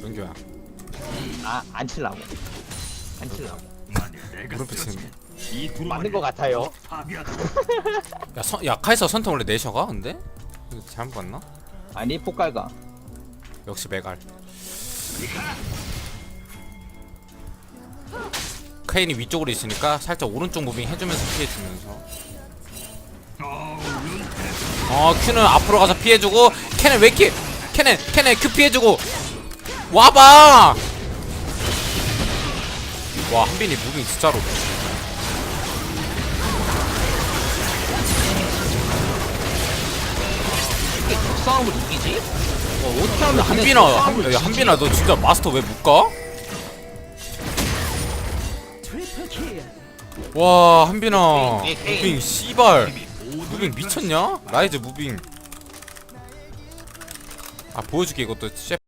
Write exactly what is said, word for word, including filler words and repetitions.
은규야 아안 칠라고 안 칠라고 무릎 치는 맞는 거 같아요. 야, 선, 야 카이사 선택 원래 내셔가 근데? 이거 잘못 봤나? 아니 폭갈가. 역시 메갈 카인이 위쪽으로 있으니까 살짝 오른쪽 무빙 해주면서 피해주면서 어 큐는 앞으로 가서 피해주고 캔은 왜 이렇게 캔은 캔은 큐 피해주고 와봐 와 한빈이 무빙 진짜로 이게 적싸움을 이기지? 어, 어떻게 하면 한빈아 한, 야, 한빈아 너 진짜 마스터 왜 못 가? 와 한빈아 무빙 씨발 무빙 미쳤냐? 라이즈 무빙 아 보여줄게 이것도